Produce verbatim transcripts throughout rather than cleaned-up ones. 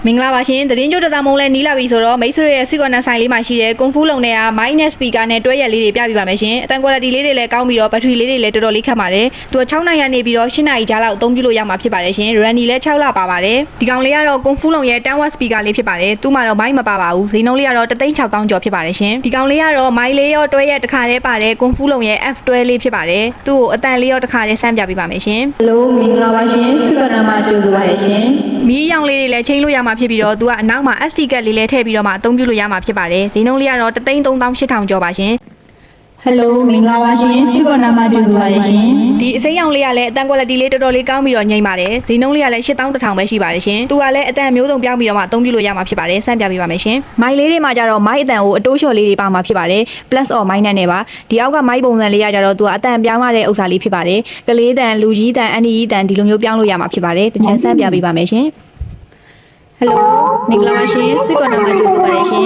မင်္ဂလာပါရှင်သတင်းကြိုတသားမုံလဲနီးလာပြီဆိုတော့မိတ်ဆွေရဲ့ Sweet Corner ဆိုင်လေးမှာရှိတဲ့ Kung Fu လုံးနဲ့က mic နဲ့ speaker နဲ့တွဲရက်လေးတွေပြပြပါမယ်ရှင်အတန် quality လေးတွေလည်းကောင်းပြီးတော့ battery လေးတွေလည်းတော်တော်လေးခက်ပါတယ်သူက6နိုင်ရနေပြီးတော့8နိုင်ကြားလောက်အသုံးပြုလို့ရမှာဖြစ်ပါတယ်ရှင် Randy လည်း6လပါပါတယ်ဒီကောင်လေးကတော့ Kung Fu လုံးရဲ့ten watt speaker လေးဖြစ်ပါတယ်သူ့မှာတော့ mic မပါပါဘူးဈေးနှုန်းလေးကတော့ one thousand six thousand ကျော်ဖြစ်ပါတယ်ရှင်ဒီကောင်လေးကတော့ mic လေးရောတွဲရက်တစ်ခါတည်းပါတယ် Kung Fu လုံးရဲ့ F တွဲလေးဖြစ်ပါတယ်သူ့ကိုအတန်လေးရောတစ်ခါတည်းဆန်းပြပေးပါမယ်ရှင် Hello မင်္ဂလာပါရှင် Sweet Corner မှာကြိုဆိုပါရရှင်မီးရောင်လေးတွေလည်းချိန်လို့ရမှာဖြစ်ပြီးတော့သူကအနောက်မှာ S D ကတ်လေးလည်းထည့်ပြီးတော့မှအသုံးပြုလို့ရမှာဖြစ်ပါတယ်ဈေးနှုန်းလေးကတော့ one thousand three thousand eight thousand ကျော်ပါရှင် Hello မင်္ဂလာပါရှင် Sweet Corner မှာကြိုဆိုပါရရှင်ဒီအစိမ်းရောင်လေးကလည်းအတန် quality လေးတော်တော်လေးကောင်းပြီးတော့ညိမ့်ပါတယ်ဈေးနှုန်းလေးကလည်းeight thousand one thousandပဲရှိပါတယ်ရှင်သူကလည်းအတန်မျိုးစုံပြောင်းပြီးတော့မှအသုံးပြုလို့ရမှာဖြစ်ပါတယ်ဆန့်ပြပေးပါမယ်ရှင်မိုက်လေးတွေမှာကြတော့ mic အတန်ကိုအတိုးလျှော်လေးတွေပါမှာဖြစ်ပါတယ် plus or minus နဲ့ပါဒီအောက်က mic ပုံစံလေးကကြတော့သူကအတန်ပြောင်းရတဲ့ဥစ္စာလေးဖြစ်ပါတယ်ကလေးတန်လူကြီးတန်အန်ဒီကြီးတန်ဒီလိုမျိုးပြောင်းလို့ရမှာဖြစ်ပါတယ်တစ်ချက်ဆန့်ပြပေးပါမယ်ရှင်Hello မင်္ဂလာပါရှင် Sweet Corner မှာကြိုဆိုပါရရှင်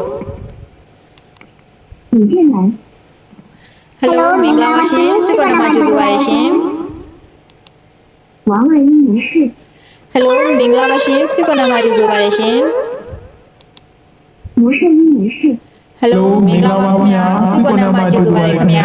影片栏 Hello မင်္ဂလာပါရှင် Sweet Corner မှာကြိုဆိုပါရရှင်王二一模式 Hello မင်္ဂလာပါရှင် Sweet Corner မှာကြိုဆိုပါရရှင်模式一模式 Hello မင်္ဂလာပါခင်ဗျာ Sweet Corner မှာကြိုဆိုပါရခင်ဗျာ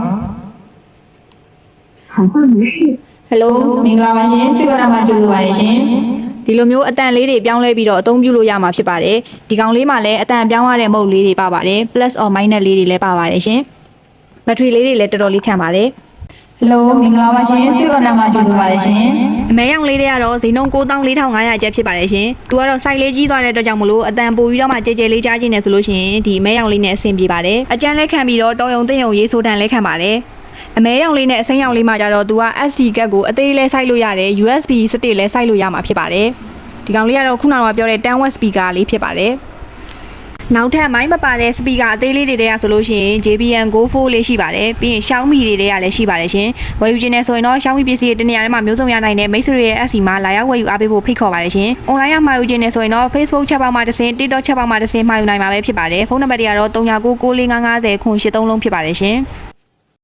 喊话模式 Hello မင်္ဂလာပါရှင် Sweet Corner မှာကြိုဆိုပါရရှင်ဒီလိုမျိုးအတန်လေးတွေပြောင်းလဲပြီးတော့အသုံးပြုလို့ရမှာဖြစ်ပါတယ်ဒီကောင်လေးမှာလည်းအတန်ပြောင်းရတဲ့မုတ်လေးတွေပါပါတယ် plus or minus လေးတွေလည်းပါပါတယ်ရှင်ဘက်ထရီလေးတွေလည်းတော်တော်လေးခံပါတယ် Hello မင်္ဂလာပါရှင် Sweet Corner မှာကြိုဆိုပါရရှင်အမဲရောင်လေးတွေကတော့ဈေးနှုန်းnine thousand four thousand five hundredကျပ်ဖြစ်ပါတယ်ရှင်သူကတော့ site လေးကြီးသွားတဲ့အတွက်ကြောင့်မလို့အတန်ပိုပြီးတော့မှကြဲကြဲလေးကြားခြင်းနဲ့ဆိုလို့ရှိရင်ဒီအမဲရောင်လေးနဲ့အဆင်ပြေပါတယ်အကျန်းလက်ခံပြီးတော့တော်ယုံသိမ့်ယုံရေးဆိုတန်လက်ခံပါတယ်အမဲရောင်လေးနဲ့အစိမ်းရောင်လေးမှာကြတော့သူက S D ကတ်ကိုအသေးလဲစိုက်လို့ရတယ် U S B စတစ်လဲစိုက်လို့ရမှာဖြစ်ပါတယ်ဒီကောင်လေးကတော့ခုနကပြောတဲ့ten watt speaker လေးဖြစ်ပါတယ်နောက်ထပ်မိုင်းမပါတဲ့ speaker အသေးလေးတွေတည်းရဆိုလို့ရှိရင် J B L Go four လေးရှိပါတယ်ပြီးရင် Xiaomi တွေတည်းရလည်းရှိပါတယ်ရှင်ဝယ်ယူခြင်းနဲ့ဆိုရင်တော့ Xiaomi ပစ္စည်းတွေတနေရာထဲမှာမျိုးစုံရနိုင်တဲ့မိတ်ဆွေတွေရဲ့ S C မှာလာရောက်ဝယ်ယူအားပေးဖို့ဖိတ်ခေါ်ပါတယ်ရှင် online ရမှာယူခြင်းနဲ့ဆိုရင်တော့ Facebook chat box မှာတစ်ဆင့် TikTok chat box မှာတစ်ဆင့်မှာယူနိုင်မှာပဲဖြစ်ပါတယ်ဖုန်းနံပါတ်တွေကတော့three nine nine nine four five five zero eight threeလုံးဖြစ်ပါတယ်ရှင်